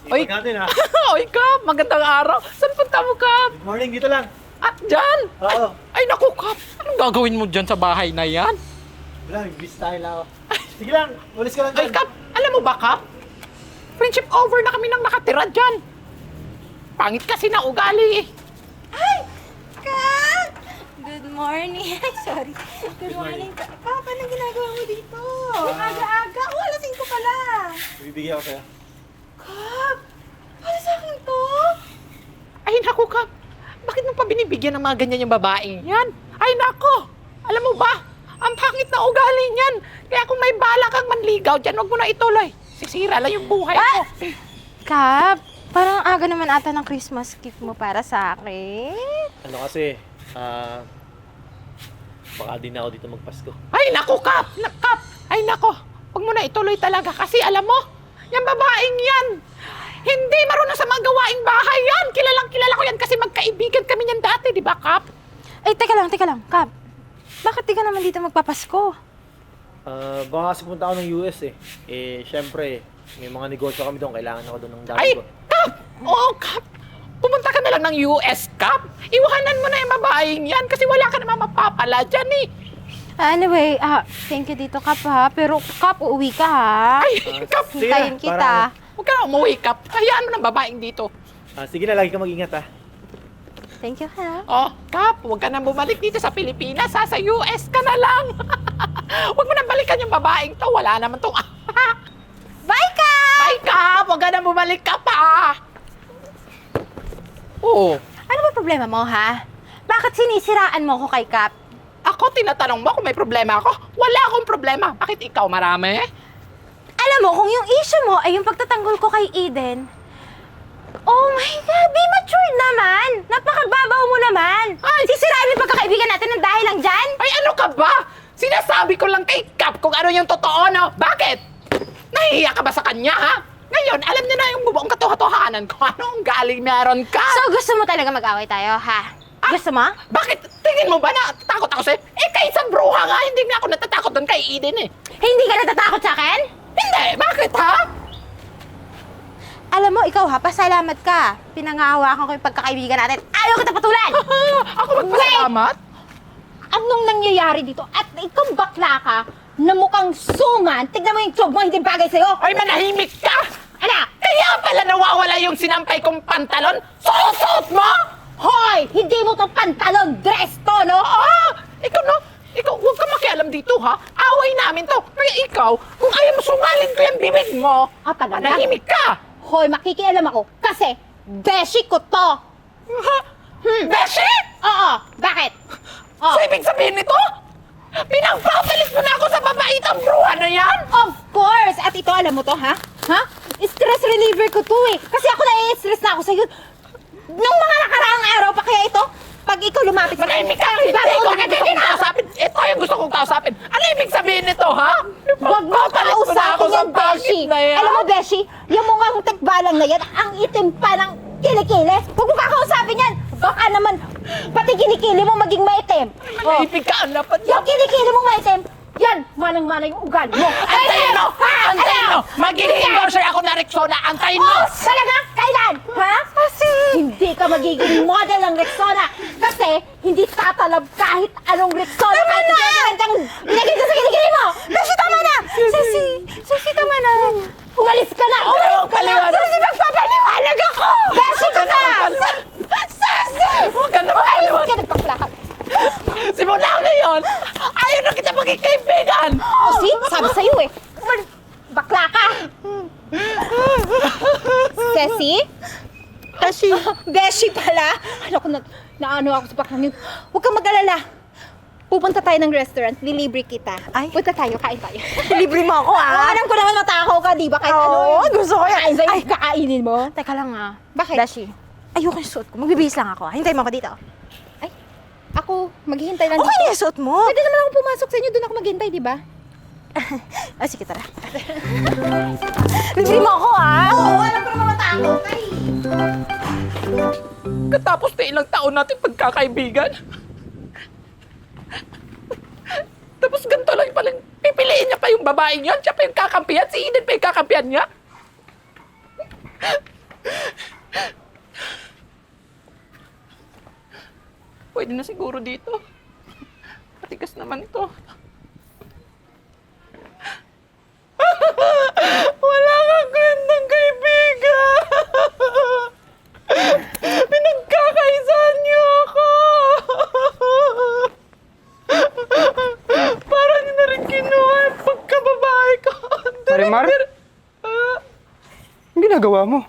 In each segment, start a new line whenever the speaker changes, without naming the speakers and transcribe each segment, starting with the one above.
Oy,
natin ha.
Oy, Kap, magandang araw. Saan punta mo, Kap?
Good morning, dito lang.
At dyan?
Oo.
Ay, naku, Kap. Anong gagawin mo dyan sa bahay na yan?
Wala, bis tayo lang ako. Sige lang, ulis ka lang
Ay,
dyan.
Kap, alam mo ba, Kap? Friendship over na kami nang nakatira dyan. Pangit kasi na ugali eh.
Kap! Good morning. Ay, sorry. Good morning. Kap, anong ginagawa mo dito? Aga-aga. Oh, alasing ko pala.
Bibigyan ako sa'yo.
Kap! Para sa akin to?
Ay, naku, Kap. Bakit mo pa binibigyan ng mga ganyan yung babaeng yan? Ay, naku. Alam mo ba? Ang pangit na ugali niyan. Kaya kung may bala kang manligaw dyan, huwag mo na ituloy. Sisira lang yung buhay mo.
Kap, parang aga naman ata ng Christmas gift mo para sa akin.
Ano kasi, baka din ako dito magpasko.
Ay, naku, Kap! Kap! Ay, naku! Huwag mo na ituloy talaga kasi alam mo, yung babaeng yan, hindi marunong sa mga gawaing bahay yan. Kilala ko yan kasi magkaibigan kami niyan dati, di ba, Kap?
Ay, teka lang, Kap. Bakit di ka naman dito magpapasko?
Baka kasi punta ako ng US eh. Syempre, may mga negosyo kami doon. Kailangan ako doon ng dami
Ay,
ko.
Kap! Oo, Kap! Pumunta ka na lang ng US, Kap! Iwanan mo na yung babaeng yan kasi wala ka naman mapapala dyan eh.
Anyway, thank you dito, Kap, ha? Pero, Kap, uuwi ka, ha?
Ay, Kap!
Sige
Hintayin
na,
kita.
Huwag ka na umuwi, Kap. Hayaan mo ng babaeng dito.
Sige na, lagi ka mag-ingat ha.
Thank you, ha?
Oh, Kap, huwag ka nang bumalik dito sa Pilipinas, ha? Sa US ka na lang. Huwag mo nang balikan yung babaeng to. Wala naman tong...
Bye, Kap!
Ay, Kap! Huwag ka nang bumalik ka pa! Oo.
Ano ba problema mo, ha? Bakit sinisiraan mo ko kay Kap?
Ako, tinatanong mo kung may problema ako. Wala akong problema. Bakit ikaw marami?
Alam mo, kung yung issue mo ay yung pagtatanggol ko kay Eden, oh my God, be mature naman! Napakababaw mo naman!
Ay!
Sisiraan mo yung pagkakaibigan natin ng dahil lang dyan?
Ay, ano ka ba? Sinasabi ko lang kay Kap kung ano yung totoo, no? Bakit? Nahihiya ka ba sa kanya, ha? Ngayon, alam niya na yung bubuong katotohanan ko. Anong galing meron ka?
So, gusto mo talaga mag-away tayo, ha? Gusto mo?
Bakit? Tingin mo ba na takot ako sa'yo? Eh, kahit sa bruha nga, hindi nga ako natatakot doon kay Eden eh.
Hindi ka natatakot sa akin?
Hindi! Bakit, ha?
Alam mo, ikaw ha, pasalamat ka. Pinangahawakan ko yung pagkakaibigan natin. Ayaw kita patulan!
Ako magpasalamat?
Anong nangyayari dito? At ikaw bakla ka na mukhang suman. Tignan mo yung job mo, hindi bagay sa'yo.
Ay, manahimik ka!
Anak!
Kaya pala nawawala yung sinampay kong pantalon? Susot mo!
Hoy! Hindi mo to pantalon dress to, no?
Ikaw, no? Ikaw, huwag ka makialam dito, ha? Away namin to. Kaya ikaw, kung ayaw mo sungalin ko yung bibig mo,
Talaga?
manahimik ka!
Hoy, makikialam ako kasi beshi ko to.
Beshi!
Oo, bakit? Oh.
So, ibig sabihin nito? Pinagpapalit mo na ako sa babaitang bruha na yan?
Of course! At ito, alam mo to, ha? Ha? Stress reliever ko to eh. Kasi ako na-stress na ako sa'yo. Nung mga nakaraang araw pa kaya ito, pag ikaw lumapit sa
Manahimik ka! Hindi ko kailangan kausapin. Ito yung gusto kong kausapin. Ano ibig sabihin nito, ha?
Huwag mo
Papalit mo na ako
kausapin
sa
yan, Beshi.
bakit na yan?
Alam mo, Beshi, yung mga tekbalang na yan, ang itim pa ng kilikili. Huwag mo kakausapin yan. Baka naman, pati kilikili mo maging maitim.
Manahimik ka, dapat
Yung kilikili mo maitim, yan, manang-mana yung ugali mo.
Antayin mo! Antayin mo! Magiging endorser ako na Rexona. Antayin mo!
Oh, talaga? Kailan? Ha? Kasi... Hindi ka magiging model ng Rexona. Kasi hindi tatalab kahit anong Rexona. Tama kahit na! Kahit ilagay ka sa kilikili mo. Beshi, tama na! Sisi, tama na. Umalis ka na!
Huwag paliwanag.
Sisi, magpapaliwanag ako! Beshi ka na! Sisi!
Huwag ka na
Umalis
magpaliwanag.
ka, nagpaplakat.
Simula ngayon, ayaw na kita maging kaibigan!
Oh, see? Sabi sa'yo eh. Bakla ka! Ceci? Beshi? Beshi pala? Ano ko, naano ako sa baklang yun. Huwag kang mag-alala. Pupunta tayo ng restaurant, lilibre kita.
Ay.
Punta tayo, kain tayo.
Libre mo ako,
Oo, alam ko naman matakaw ka, di ba? Kahit
Oo,
ano
gusto ko yan.
kain sa'yo,
Ay.
kakainin mo.
Teka lang ah.
Bakit?
Beshi, ayoko yung suot ko. Magbibihis lang ako. Hintay mo ako dito.
Ay, ako, maghihintay lang
Okay na yung suot mo.
Pwede naman ako pumasok sa inyo, doon ako maghintay, di ba?
Ah, sige, tara. Libre mo ako ah.
Oo, alam ko naman matakaw ka eh.
Katapos na ilang taon natin pagkakaibigan. Tapos ganito lang palang pipiliin niya pa yung babaeng yun. Siya pa yung kakampihan. Si Eden pa yung kakampihan niya. pwede na siguro dito. Matigas naman to. Wala kang gandang kaibigan! Pinagkakaisahan niyo ako! Parang niyo na rin kinuha yung pagkababae ko.
Marimar? Ang ginagawa mo?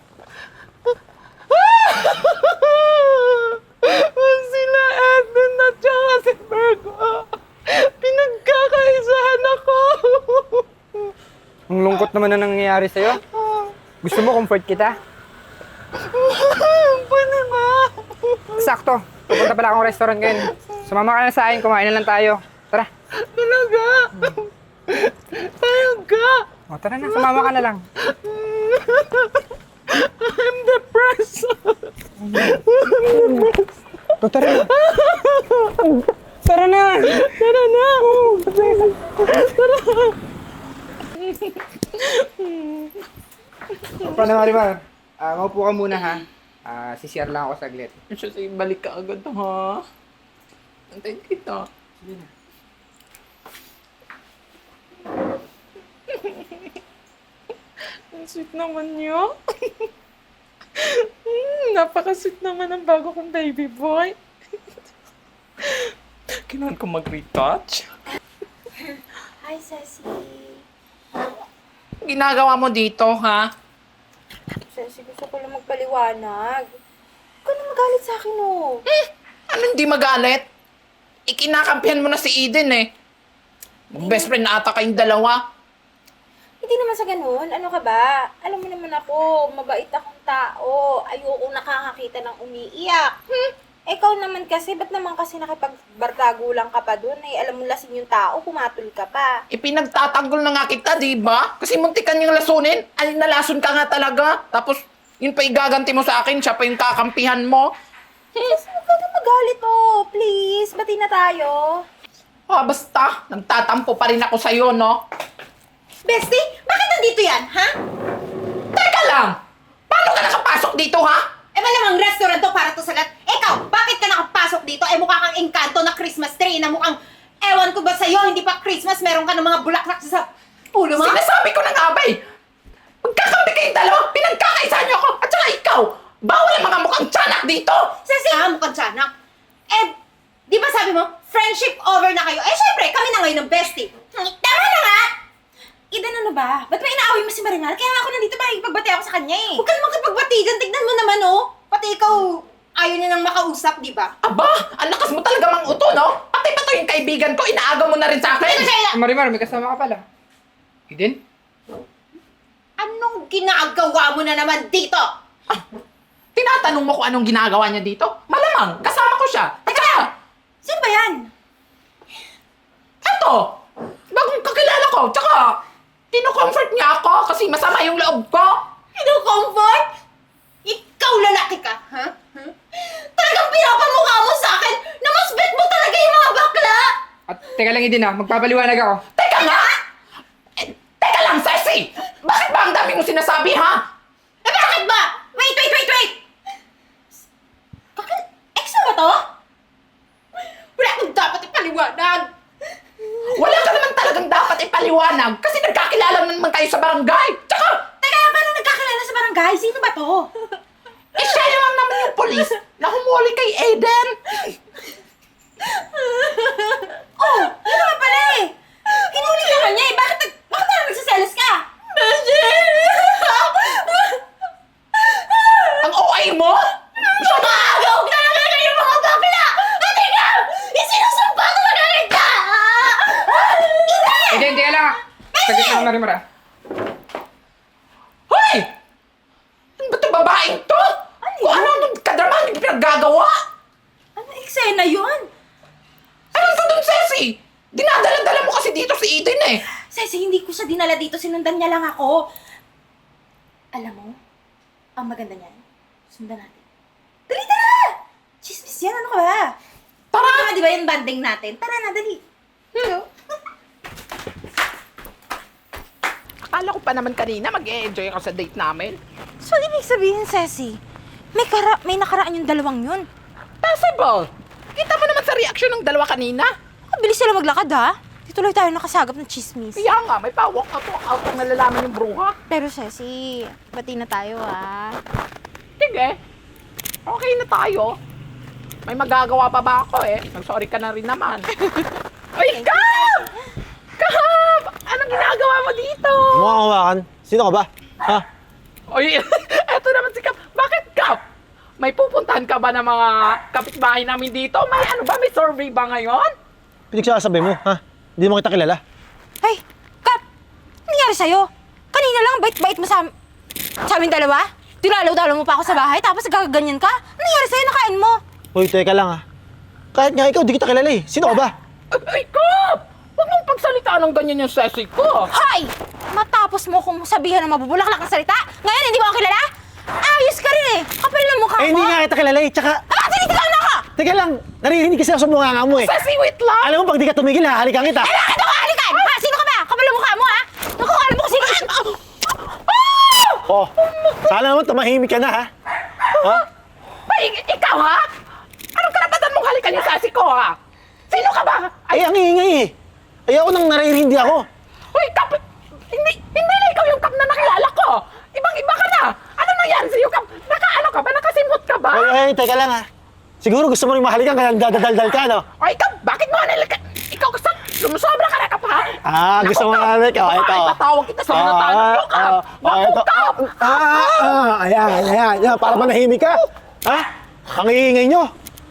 Sila Edwin at saka si Virgo. Pinagkakaisahan ako.
Ang lungkot naman na nangyayari sa'yo. Gusto mo comfort kita?
Pwede ba?
Sakto. Pupunta pala akong restaurant ngayon. Sumama ka na sa akin, kumain na lang tayo. Tara.
Talaga? Payag ka.
O, tara na, sumama ka na lang.
I'm depressed.
O, tara na. Tara na.
Tara na.
Paano, Marimar? Maupo ka muna, ha? Sisiyar lang ako saglit.
Kasi balik ka agad, ha? Antayin kita.
Sige na.
Ang sweet naman niyo. Napaka-sweet naman ang bago kong baby boy. Kailangan ko mag-retouch.
Hi, Ceci.
Ginagawa mo dito, ha?
Ceci, gusto ko lang magpaliwanag. Huwag ka na magalit sa akin, oh.
Ano hindi magalit? Ikinakampihan mo na si Eden, eh. Best friend na ata kayong dalawa.
Hindi naman sa ganun. Ano ka ba? Alam mo naman ako, mabait akong tao. Ayoko nakakakita ng umiiyak. Ikaw naman kasi, ba't naman kasi nakipagbartago lang ka pa dun? Eh, alam mo lasing yung tao, pumatol ka pa.
Ipinagtatanggol na nga kita, di ba? Kasi muntikan yung lasunin. Ay, nalason ka nga talaga. Tapos, yun pa igaganti mo sa akin, siya pa yung kakampihan mo.
Sis, huwag ka na magalit, oh. Please, bati na tayo.
Ah, basta. Nagtatampo pa rin ako sa'yo, no?
Bestie, bakit nandito yan, ha?
Teka lang! Paano ka nakapasok dito, ha?
Eh, malamang restaurant to para to sa lahat. Ikaw, bakit ka nakapasok dito? Eh, mukha kang engkanto na Christmas tree na mukhang, ewan ko ba sa'yo, hindi pa Christmas, meron ka ng mga bulaklak sa ulo mo?
Sinasabi ko na nga ba, eh. Magkakampi kayong dalawa, pinagkakaisahan niyo ako, at saka ikaw. Bawal ang mga mukhang tiyanak dito.
Sasi, mukhang tiyanak. Eh, di ba sabi mo, friendship over na kayo? Eh, syempre, kami na ngayon ng bestie. Tama na nga! Eden, ano ba? Ba't may inaaway mo si Marimar? Kaya nga ako nandito para ipagbati ako sa kanya eh. Huwag ka naman kapagbati dyan. Tignan mo naman oh. Pati ikaw, ayaw niya nang makausap, di ba?
Aba, ang lakas mo talaga mang uto, no? Pati pa to yung kaibigan ko, inaagaw mo na rin sa akin.
Marimar, may kasama ka pala. Eden?
Anong ginagawa mo na naman dito?
Tinatanong mo kung anong ginagawa niya dito? Malamang, kasama ko siya. Teka!
Sino ba yan?
Eto! Bagong kakilala ko, tsaka kino-comfort niya ako kasi masama yung loob ko.
Comfort? Ikaw lalaki ka, ha? Talagang pinapamukha mo sa akin na mas bet mo talaga yung mga bakla!
At teka lang, Eden, ha? Magpapaliwanag ako.
Teka nga! Teka lang, Ceci! Bakit ba ang dami mong sinasabi, ha?
Eh bakit ba? Wait! Ex mo ba to? Wala akong dapat ipaliwanag!
Wala ka naman talagang dapat ipaliwanag kasi nagkakilala naman kayo sa barangay. Tsaka,
Teka, paano nagkakilala sa barangay? Sino ba to?
siya lang naman yung polis na humuli kay Eden.
Oh, yun naman pala eh! Hinuli ka kanya eh! Bakit parang nagsiselos ka?
Ang OA mo?
Sumagaw ka na kayo mga bakla! Ate ka! Isinusumpa ko na rin ka!
Eden, teka lang, ha? Saglit lang, Marimar, ha?
Hoy! Ano ba itong babaeng to? Kung ano kadramahan yung pinaggagawa?
Ano eksena yun?
Ano to dun, Ceci? Dinadala-dala mo kasi dito si Eden eh.
Sesi, hindi ko siya dinala dito. Sinundan niya lang ako. Alam mo, ang maganda niyan, sundan natin. Dali, tara! Chismis yan, ano ka ba? Tara! Di ba yung banding natin? Tara na, dali. Hello?
Akala ko pa naman kanina mag-e-enjoy ako sa date namin.
So, ibig sabihin, Ceci, may nakaraan yung dalawang yun.
Possible. Kita mo naman sa reaksyon ng dalawa kanina.
Ang bilis sila maglakad ha. Dituloy tayo nakasagap ng chismis.
Kaya nga, may pawak na to out ang nalalaman yung bruha.
Pero Ceci, bati na tayo ha.
Sige. Okay na tayo. May magagawa pa ba ako eh? Mag-sorry ka na rin naman. Ay, Kap! Kap! Anong ginagawa mo dito?
Mukha kang hawakan. Sino ka ba? Ha?
Oy, eto naman si Kap. Bakit Kap? May pupuntahan ka ba ng mga kapitbahay namin dito? May ano ba? May survey ba ngayon?
Pinagsasabi mo, ha? Hindi mo kita kilala.
Ay, Kap! Ano nangyari sa'yo? Kanina lang, bait-bait mo sa amin dalawa? Dinalaw-dalaw mo pa ako sa bahay, tapos gagaganyan ka? Ano nangyari sa'yo? Nakain mo?
Uy, teka lang, ha? Kahit nga ikaw, di kita kilala eh. Sino ka ba?
Ay, Kap! Huwag mong pagsalitaan ng ganyan yung sesi ko.
Hay! Matapos mo kung sabihan ng mabubulaklak ng salita, ngayon hindi mo ako kilala? Ayos ka rin eh! Kapal ng mukha mo!
Eh, hindi nga kita kilala eh. Tsaka,
Tinitigaw na ako!
teka lang, naririnig kasi ako sa mukha mo eh.
Sesi, wait lang!
Alam mo, pag di ka tumigil, hahalikan kita.
Bakit ako halikan? Ha? Sino ka ba? Kapal ng mukha mo ha? Naku, alam mo kung sino ka?
Oh, sana naman tumahimik ka na, ha? Ha?
Ay, ikaw ha? Anong karapatan mong halikan yung sesi ko ha? Sino ka ba?
Ay, ang ingay eh. Ay, ako nang naririndi ako.
Uy, Kap! Hindi na ikaw yung Kap na nakilala ko! Ibang-iba ka na! Ano nangyari sa'yo, Kap? Nakaano ka ba? Nakasimot ka ba?
Ay, teka lang, ha? Siguro gusto mo rin mahalikan kaya dadaldal ka, no?
Ay, Kap! Bakit mo nalikan? Ikaw gusto? Sumusobra ka na, Kap, ha?
Ah, gusto mo mahalikan. Oh, ito.
Ipatawag kita sa mga tanong ko, Kap! Naku, Kap!
Ayan. Para manahimik ka. Ha? Ang iingay nyo.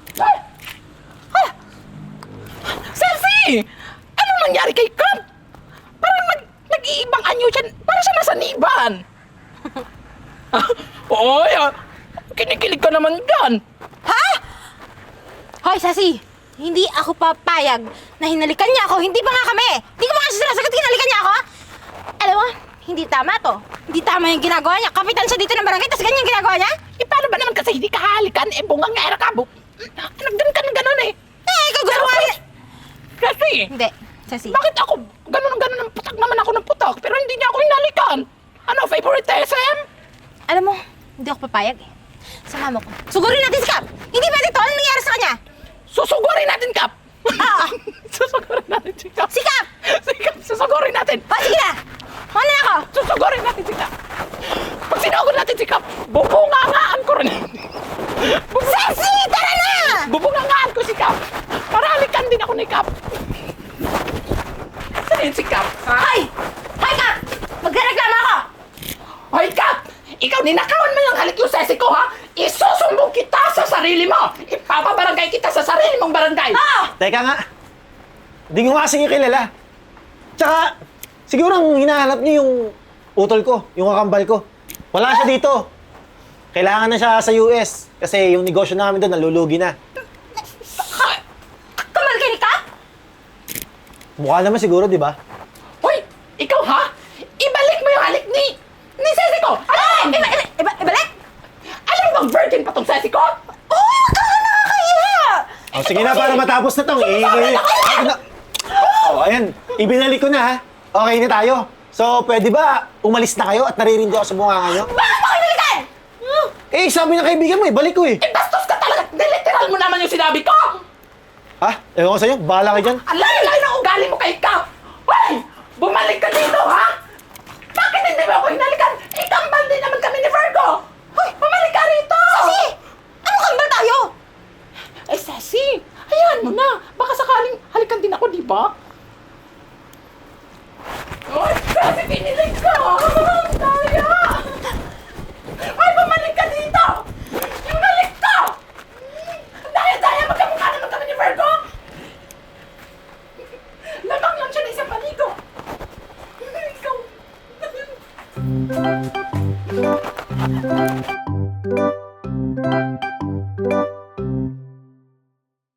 Selfie! Anong nangyari kay Kap? Parang nag-iibang anyo siya. Parang siya nasa niban. Oy, kinikilig ka naman dyan.
Ha? Hoy, Sassy! Hindi ako papayag na hinalikan niya ako. Hindi pa nga kami. Hindi ko pa nga siya sinasagot, hinalikan niya ako. Alam mo, hindi tama to. Hindi tama yung ginagawa niya. Kapitan siya dito ng barangay, tapos ganyan yung ginagawa niya?
Eh, paano ba naman kasi hindi ka halikan? Eh, bungang nga ka. Nagdan ka ng gano'n eh.
Ikaw gusto mo nga.
Kasi,
Hindi, Sassy.
bakit ako gano'n ng putak naman ako ng putak, pero hindi niya ako hinalikan? Ano, favoritism?
Alam mo, hindi ako papayag eh. Sama mo ko. Sugurin natin si Cap! Hindi pwede to. Ano nangyari sa kanya?
Susugurin natin, Kap!
Oo.
Susugurin natin si Kap!
Si Cap!
Si Kap, susugurin natin!
O, sige na! Ano na ako?
Susugurin natin si Kap! Pag sinugod natin si Kap, bubungangaan ko rin!
Sassy! Tara na!
Bubungangaan ko si Kap! Para halikan din ako ni Kap! Saan yun si Kap? Ha?
Hoy! Hoy, Cap! Magrereklamo ako!
Hoy, Kap! Ikaw, ninakawan mo yung halik yung sesi ko, ha? Isusumbong kita sa sarili mo! Ipapabarangay kita sa sarili mong barangay!
Ah!
Teka nga. Hindi ko nga kasi kilala. Tsaka, siguro ang hinahanap niyo yung utol ko, yung kakambal ko. Wala siya dito. Kailangan na siya sa US. Kasi yung negosyo namin doon, nalulugi na.
Kamal ka ni Cap?
Mukha naman siguro, di ba?
Hoy! Ikaw, ha? Ibalik mo yung halik ni sesi ko! Alam!
Ibalik?
Alam mo bang virgin pa tong sesi ko?
Uy, wag ka nga nakakahiya!
Oh, sige na, para matapos na tong. Oh, ayan. Ibinalik ko na, ha? Okay na tayo. So, pwede ba umalis na kayo at naririndi ako sa bunganga nyo?
Bakit mo kinalikan?
Eh, sabi ng kaibigan mo, ibalik ko eh.
Eh, bastos ka talaga! Niliteral mo naman yung sinabi ko!
Ha? Ewan ko sa'yo, bahala ka dyan.
Ang layo-layo ng ugali mo kay Kap! Hoy! Bumalik ka dito, ha? Bakit hindi mo ako hinalikan? Ikambal din naman kami ni Virgo! Hoy! Bumalik ka rito!
Sassy! Ano kambal tayo?
Eh, Sassy! Hayaan mo na! Baka sakaling halikan din ako, di ba? Hoy! Sassy, pinilig ka! Daya! Hoy! Bumalik ka dito! Bumalik ka! Daya! Magkamukha naman kami ni Virgo! Lamang lang siya na isang paligo! Ikaw!